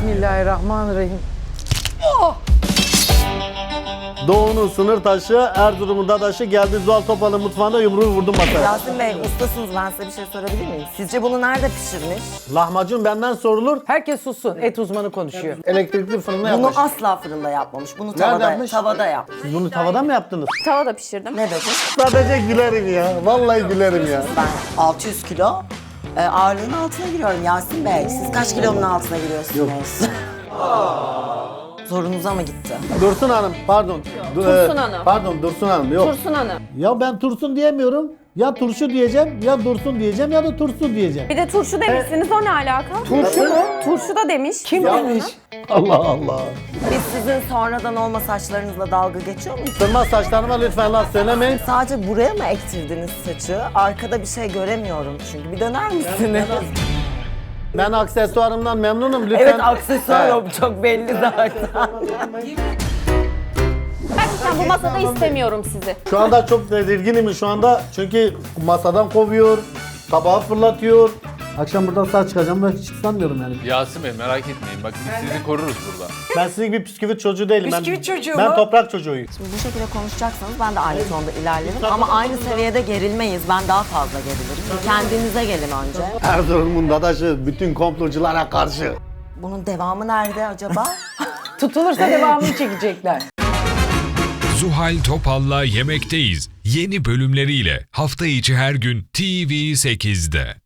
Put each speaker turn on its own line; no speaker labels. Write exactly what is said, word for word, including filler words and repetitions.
Bismillahirrahmanirrahim.
Doğu'nun sınır taşı, Erzurum'un dadaşı geldi Zuhal Topal'ın mutfağında yumruğu vurdum masaya.
Yasin Bey ustasınız, ben size bir şey sorabilir miyim? Sizce bunu nerede pişirmiş?
Lahmacun benden sorulur.
Herkes sussun. Et uzmanı konuşuyor.
Elektrikli fırında
Bunu
yapmış.
asla fırında yapmamış. Bunu
Nerede
tavada,
yapmış?
tavada yapmış.
Siz bunu tavadan mı yaptınız?
Tavada pişirdim.
Ne dedi?
Sadece gülerim ya. Vallahi gülerim ya.
Ben altı yüz kilo e, ağırlığın altına giriyorum Yasin Bey. Siz kaç kilonun altına giriyorsunuz? Zorunuza mı gitti?
Dursun Hanım, pardon. Du-
Tursun
e,
Hanım.
Pardon, Dursun Hanım. Yok.
Tursun Hanım.
Ya ben Tursun diyemiyorum. Ya turşu diyeceğim, ya Dursun diyeceğim, ya da Tursun diyeceğim.
Bir de turşu demişsiniz, o ne alaka?
Turşu mu?
Turşu da demiş.
Kim demiş?
Allah Allah.
Biz sizin sonradan olma saçlarınızla dalga geçiyor muyuz?
Sırma saçlarıma lütfen laf söylemeyin.
Sadece buraya mı ektirdiniz saçı? Arkada bir şey göremiyorum çünkü. Bir döner misiniz?
Ben aksesuarımdan memnunum lütfen.
Evet, aksesuar o, çok belli zaten.
Gerçekten bu masada istemiyorum sizi.
Şu anda çok tedirginim şu anda çünkü masadan kovuyor, tabağı fırlatıyor. Akşam buradan sağ çıkacağım ve hiç sanmıyorum yani.
Yasin Bey merak etmeyin. Bak biz sizi koruruz burada.
Ben sizin gibi bisküvit çocuğu değilim.
Bisküvit
ben,
çocuğu
Ben
mu?
toprak çocuğuyum.
Şimdi bu şekilde konuşacaksanız ben de aynı tonda ilerlerim. Ama aynı seviyede gerilmeyiz. Ben daha fazla gerilirim. Kendinize gelin önce.
Erzurum'un dadaşı bütün komploculara karşı.
Bunun devamı nerede acaba?
Tutulursa devamını çekecekler.
Zuhal Topal'la Yemekteyiz yeni bölümleriyle hafta içi her gün T V sekizde.